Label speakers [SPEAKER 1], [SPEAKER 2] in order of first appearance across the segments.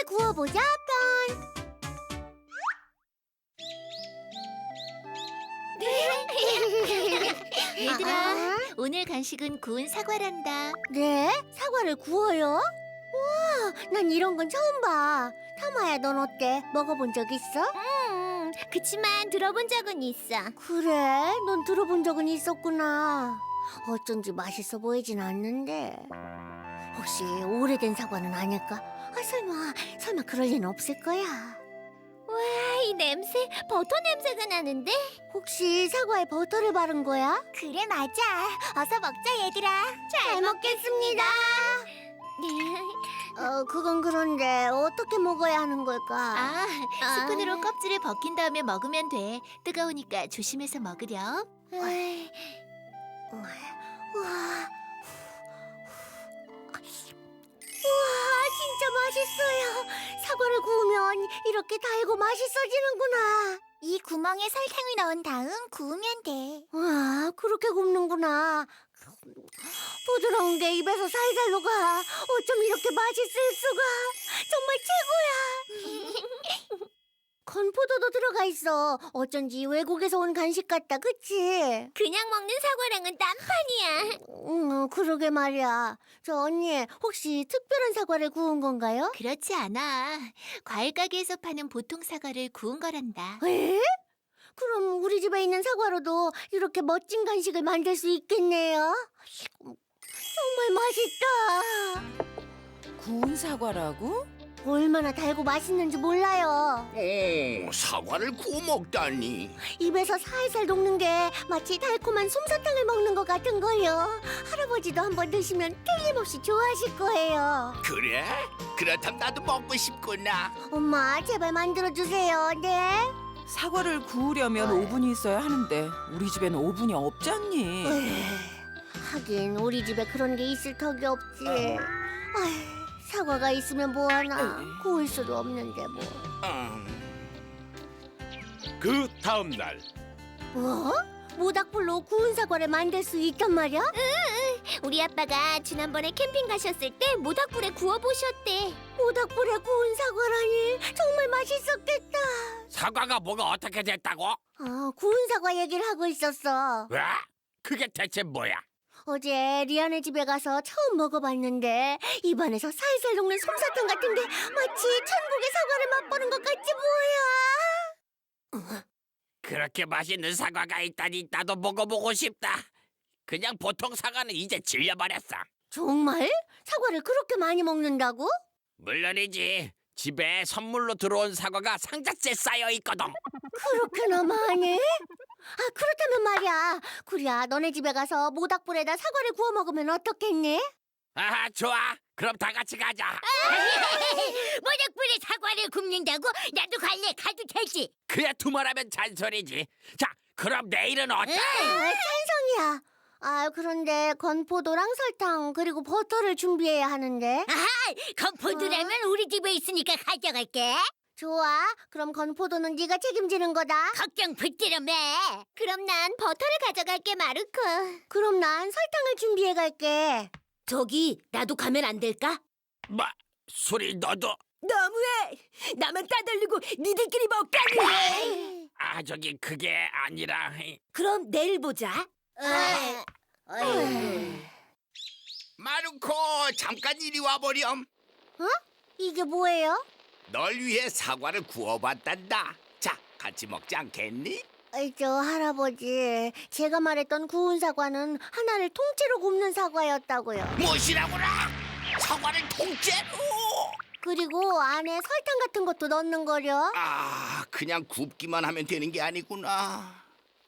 [SPEAKER 1] 구워보자 편.
[SPEAKER 2] 얘들아, 오늘 간식은 구운 사과란다.
[SPEAKER 1] 네? 사과를 구워요? 와, 난 이런 건 처음 봐. 타마야, 넌 어때? 먹어본 적 있어?
[SPEAKER 2] 그치만 들어본 적은 있어.
[SPEAKER 1] 그래? 넌 들어본 적은 있었구나. 어쩐지 맛있어 보이진 않는데. 혹시 오래된 사과는 아닐까? 아, 설마 그럴 리는 없을 거야.
[SPEAKER 2] 와, 이 냄새, 버터 냄새가 나는데?
[SPEAKER 1] 혹시 사과에 버터를 바른 거야?
[SPEAKER 2] 그래, 맞아. 어서 먹자, 얘들아.
[SPEAKER 1] 잘 먹겠습니다. 그건 그런데 어떻게 먹어야 하는 걸까?
[SPEAKER 2] 스푼으로 껍질을 벗긴 다음에 먹으면 돼. 뜨거우니까 조심해서 먹으렴.
[SPEAKER 1] 우와, 진짜 맛있어요. 사과를 구우면 이렇게 달고 맛있어지는구나.
[SPEAKER 2] 이 구멍에 설탕을 넣은 다음 구우면 돼.
[SPEAKER 1] 와, 그렇게 굽는구나. 부드러운 게 입에서 살살 녹아. 어쩜 이렇게 맛있을 수가. 정말 최고야. 건포도도 들어가 있어. 어쩐지 외국에서 온 간식 같다, 그치?
[SPEAKER 2] 그냥 먹는 사과랑은 딴판이야.
[SPEAKER 1] 그러게 말이야. 저 언니, 혹시 특별한 사과를 구운 건가요?
[SPEAKER 2] 그렇지 않아. 과일 가게에서 파는 보통 사과를 구운 거란다.
[SPEAKER 1] 에? 그럼 우리 집에 있는 사과로도 이렇게 멋진 간식을 만들 수 있겠네요. 정말 맛있다.
[SPEAKER 3] 구운 사과라고?
[SPEAKER 1] 얼마나 달고 맛있는지 몰라요.
[SPEAKER 4] 오, 사과를 구워 먹다니.
[SPEAKER 1] 입에서 살살 녹는 게 마치 달콤한 솜사탕을 먹는 것 같은 거요. 할아버지도 한번 드시면 틀림없이 좋아하실 거예요.
[SPEAKER 4] 그래? 그렇다면 나도 먹고 싶구나.
[SPEAKER 1] 엄마, 제발 만들어주세요. 네?
[SPEAKER 3] 사과를 구우려면 오븐이 있어야 하는데 우리 집엔 오븐이 없잖니.
[SPEAKER 1] 하긴 우리 집에 그런 게 있을 턱이 없지. 사과가 있으면 뭐하나. 구울 수도 없는데 뭐.
[SPEAKER 5] 그 다음 날
[SPEAKER 1] 뭐? 모닥불로 구운 사과를 만들 수 있단 말이야?
[SPEAKER 2] 우리 아빠가 지난번에 캠핑 가셨을 때 모닥불에 구워보셨대.
[SPEAKER 1] 모닥불에 구운 사과라니 정말 맛있었겠다.
[SPEAKER 4] 사과가 뭐가 어떻게 됐다고?
[SPEAKER 1] 구운 사과 얘기를 하고 있었어.
[SPEAKER 4] 왜? 그게 대체 뭐야?
[SPEAKER 1] 어제 리안의 집에 가서 처음 먹어봤는데 입안에서 살살 녹는 솜사탕 같은 게 마치 천국의 사과를 맛보는 것 같지 뭐야.
[SPEAKER 4] 그렇게 맛있는 사과가 있다니 나도 먹어보고 싶다. 그냥 보통 사과는 이제 질려버렸어.
[SPEAKER 1] 정말? 사과를 그렇게 많이 먹는다고?
[SPEAKER 4] 물론이지. 집에 선물로 들어온 사과가 상자째 쌓여 있거든.
[SPEAKER 1] 그렇게나 많이? 그렇다면 말이야. 구리야, 너네 집에 가서 모닥불에다 사과를 구워 먹으면 어떻겠니?
[SPEAKER 4] 아, 좋아. 그럼 다 같이 가자.
[SPEAKER 2] 모닥불에 사과를 굽는다고? 나도 갈래. 가도 되지.
[SPEAKER 4] 그야 두말하면 잔소리지. 자, 그럼 내일은 어때?
[SPEAKER 1] 찬성이야. 그런데 건포도랑 설탕 그리고 버터를 준비해야 하는데.
[SPEAKER 2] 건포도라면 우리 집에 있으니까 가져갈게.
[SPEAKER 1] 좋아. 그럼 건포도는 네가 책임지는 거다.
[SPEAKER 2] 걱정 붙들어 매. 그럼 난 버터를 가져갈게, 마르코.
[SPEAKER 1] 그럼 난 설탕을 준비해 갈게.
[SPEAKER 2] 저기, 나도 가면 안 될까?
[SPEAKER 4] 뭐, 소리 너도?
[SPEAKER 2] 너무해. 나만 따돌리고 니들끼리 먹다니.
[SPEAKER 4] 저기 그게 아니라.
[SPEAKER 2] 그럼 내일 보자.
[SPEAKER 4] 마루코, 잠깐 이리 와보렴.
[SPEAKER 1] 이게 뭐예요?
[SPEAKER 4] 널 위해 사과를 구워봤단다. 자, 같이 먹지 않겠니?
[SPEAKER 1] 저 할아버지, 제가 말했던 구운 사과는 하나를 통째로 굽는 사과였다고요.
[SPEAKER 4] 무엇이라고라? 사과를 통째로?
[SPEAKER 1] 그리고 안에 설탕 같은 것도 넣는 거려.
[SPEAKER 4] 그냥 굽기만 하면 되는 게 아니구나.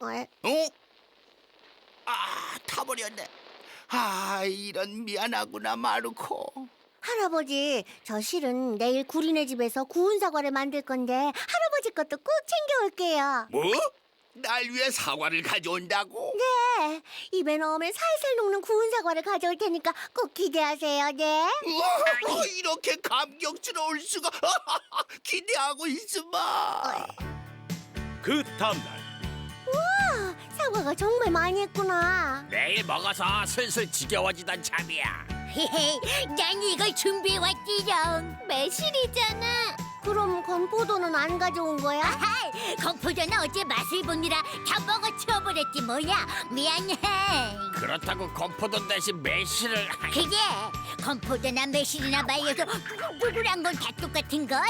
[SPEAKER 4] 타버렸네. 이런 미안하구나, 마루코.
[SPEAKER 1] 할아버지, 저 실은 내일 구리네 집에서 구운 사과를 만들 건데 할아버지 것도 꼭 챙겨올게요.
[SPEAKER 4] 뭐? 날 위해 사과를 가져온다고?
[SPEAKER 1] 네, 입에 넣으면 살살 녹는 구운 사과를 가져올 테니까 꼭 기대하세요, 네.
[SPEAKER 4] 우와, 이렇게 감격스러울 수가. 기대하고 있으마.
[SPEAKER 5] 그 다음 날
[SPEAKER 1] 사과가 정말 많이 했구나.
[SPEAKER 4] 내일 먹어서 슬슬 지겨워지던 참이야.
[SPEAKER 2] 난 이걸 준비해왔지롱. 매실이잖아.
[SPEAKER 1] 그럼 건포도는 안 가져온 거야?
[SPEAKER 2] 건포도는 어제 맛을 보느라 다 먹어치워버렸지 뭐야. 미안해.
[SPEAKER 4] 그렇다고 건포도 대신 매실을
[SPEAKER 2] 그게 건포도나 매실이나 말려서 부글부글한 건 다 똑같은 걸.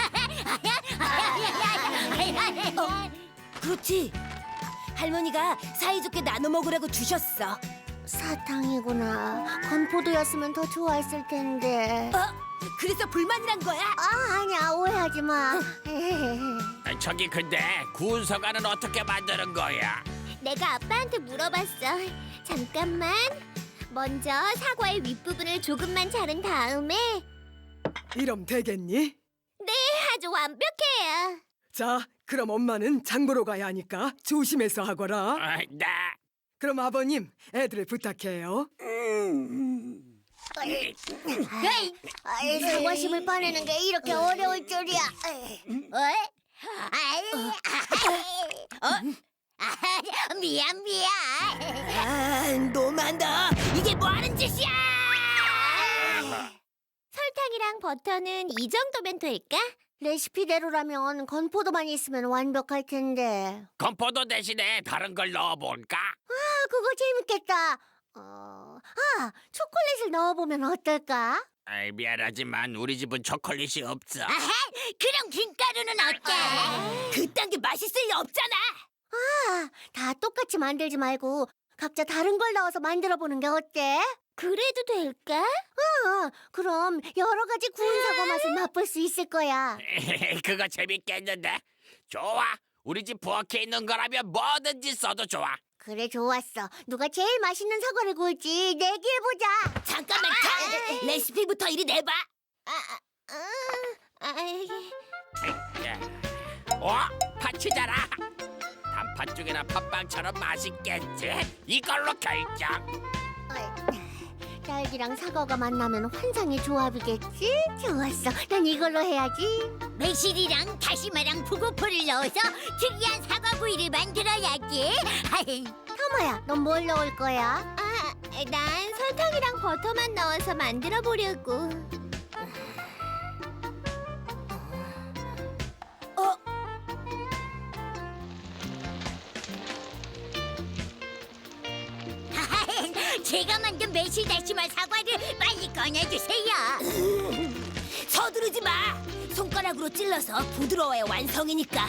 [SPEAKER 6] 그렇지. 할머니가 사이좋게 나눠 먹으라고 주셨어.
[SPEAKER 1] 사탕이구나. 건포도였으면 더 좋아했을 텐데.
[SPEAKER 6] 그래서 불만이란 거야?
[SPEAKER 1] 아니야, 오해하지 마.
[SPEAKER 4] 저기 근데 구운 사과는 어떻게 만드는 거야?
[SPEAKER 2] 내가 아빠한테 물어봤어. 잠깐만. 먼저 사과의 윗부분을 조금만 자른 다음에
[SPEAKER 7] 이럼 되겠니?
[SPEAKER 2] 아주 완벽해요.
[SPEAKER 7] 자, 그럼 엄마는 장 보러 가야 하니까 조심해서 하거라.
[SPEAKER 4] 네.
[SPEAKER 7] 그럼 아버님, 애들을 부탁해요.
[SPEAKER 1] 사과심을 빠내는 게 이렇게 어려울 줄이야.
[SPEAKER 2] 미안.
[SPEAKER 6] 너무한다. 이게 뭐 하는 짓이야?
[SPEAKER 2] 설탕이랑 버터는 이 정도면 될까?
[SPEAKER 1] 레시피대로라면 건포도만 있으면 완벽할 텐데.
[SPEAKER 4] 건포도 대신에 다른 걸 넣어볼까?
[SPEAKER 1] 그거 재밌겠다. 초콜릿을 넣어보면 어떨까?
[SPEAKER 4] 아이, 미안하지만 우리 집은 초콜릿이 없어.
[SPEAKER 2] 그럼 김가루는 어때?
[SPEAKER 6] 그딴 게 맛있을 리 없잖아.
[SPEAKER 1] 다 똑같이 만들지 말고 각자 다른 걸 넣어서 만들어보는 게 어때?
[SPEAKER 2] 그래도 될까?
[SPEAKER 1] 그럼 여러 가지 구운 사과 맛을 맛볼 수 있을 거야.
[SPEAKER 4] 그거 재밌겠는데? 좋아. 우리 집 부엌에 있는 거라면 뭐든지 써도 좋아.
[SPEAKER 1] 그래, 좋았어. 누가 제일 맛있는 사과를 구울지 내기해보자.
[SPEAKER 6] 잠깐만, 레시피부터 이리 내봐.
[SPEAKER 4] 파치잖아. 단팥 죽이나 팥빵처럼 맛있겠지. 이걸로 결정.
[SPEAKER 1] 딸기랑 사과가 만나면 환상의 조합이겠지? 좋았어. 난 이걸로 해야지.
[SPEAKER 2] 매실이랑 다시마랑 북어포를 넣어서 특이한 사과구이를 만들어야지.
[SPEAKER 1] 타마야, 넌 뭘 넣을 거야?
[SPEAKER 2] 난 설탕이랑 버터만 넣어서 만들어 보려고. 제가 만든 매실 다시마 사과를 빨리 꺼내주세요.
[SPEAKER 6] 서두르지 마. 손가락으로 찔러서 부드러워야 완성이니까.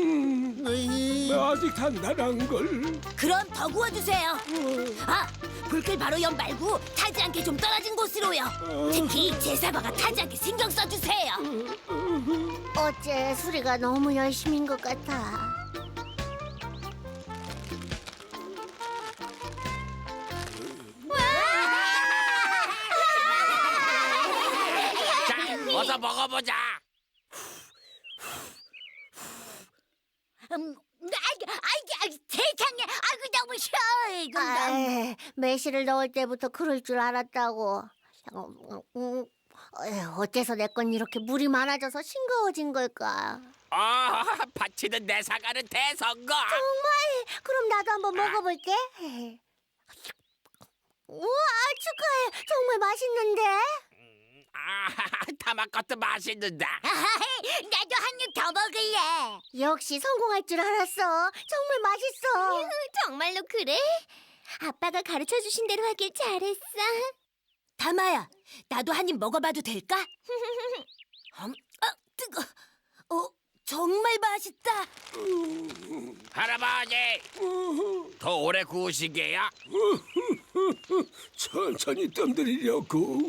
[SPEAKER 5] 아직 단단한 걸.
[SPEAKER 6] 그럼 더 구워주세요. 불길 바로 옆 말고 타지 않게 좀 떨어진 곳으로요. 특히 제 사과가 타지 않게 신경 써주세요.
[SPEAKER 1] 어째 수리가 너무 열심인 것 같아.
[SPEAKER 4] 자, 어서 먹어보자.
[SPEAKER 2] 세상에, 너무 쉬워.
[SPEAKER 1] 매실을 넣을 때부터 그럴 줄 알았다고. 어째서 내 건 이렇게 물이 많아져서 싱거워진 걸까?
[SPEAKER 4] 파치는 내 사과는 대성공.
[SPEAKER 1] 그럼 나도 한번 먹어볼게. 우와, 축하해. 정말 맛있는데?
[SPEAKER 4] 타마 것도 맛있는데.
[SPEAKER 2] 나도 한 입 더 먹을래.
[SPEAKER 1] 역시 성공할 줄 알았어. 정말 맛있어.
[SPEAKER 2] 정말로 그래? 아빠가 가르쳐 주신 대로 하길 잘했어.
[SPEAKER 6] 다마야, 나도 한 입 먹어봐도 될까? 뜨거. 정말 맛있다.
[SPEAKER 4] 할아버지, 더 오래 구우시게요?
[SPEAKER 5] 천천히 뜸들이려고.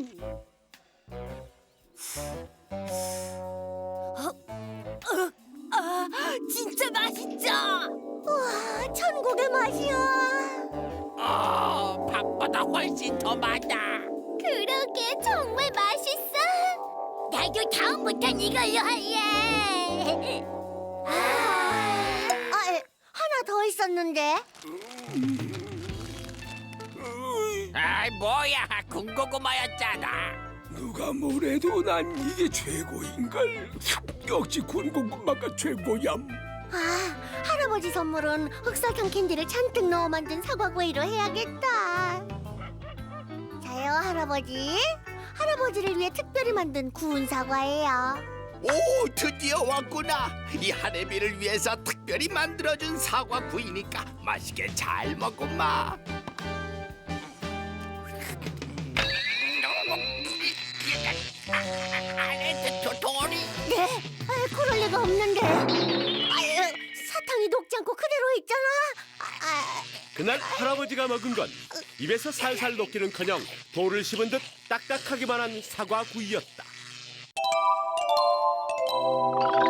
[SPEAKER 6] 진짜 맛있죠?
[SPEAKER 1] 우와, 천국의 맛이야.
[SPEAKER 4] 밥보다 훨씬 더 많아.
[SPEAKER 2] 그러게 정말 맛있어. 나도 다음부턴 이걸로 할래.
[SPEAKER 1] 하나 더 있었는데.
[SPEAKER 4] 아이, 뭐야, 군고구마였잖아.
[SPEAKER 5] 누가 뭐래도 난 이게 최고인걸. 역시 군고구마가 최고얌.
[SPEAKER 1] 할아버지 선물은 흑설탕 캔디를 잔뜩 넣어 만든 사과구이로 해야겠다. 자, 이거요, 할아버지. 할아버지를 위해 특별히 만든 구운 사과예요.
[SPEAKER 8] 오, 드디어 왔구나. 이 한해비를 위해서 특별히 만들어준 사과 구이니까 맛있게 잘 먹고마.
[SPEAKER 4] 안에 도토리.
[SPEAKER 1] 네? 그럴 리가 없는데. 사탕이 녹지 않고 그대로 있잖아.
[SPEAKER 9] 그날 할아버지가 먹은 건 입에서 살살 녹기는커녕 돌을 씹은 듯 딱딱하기만 한 사과 구이였다.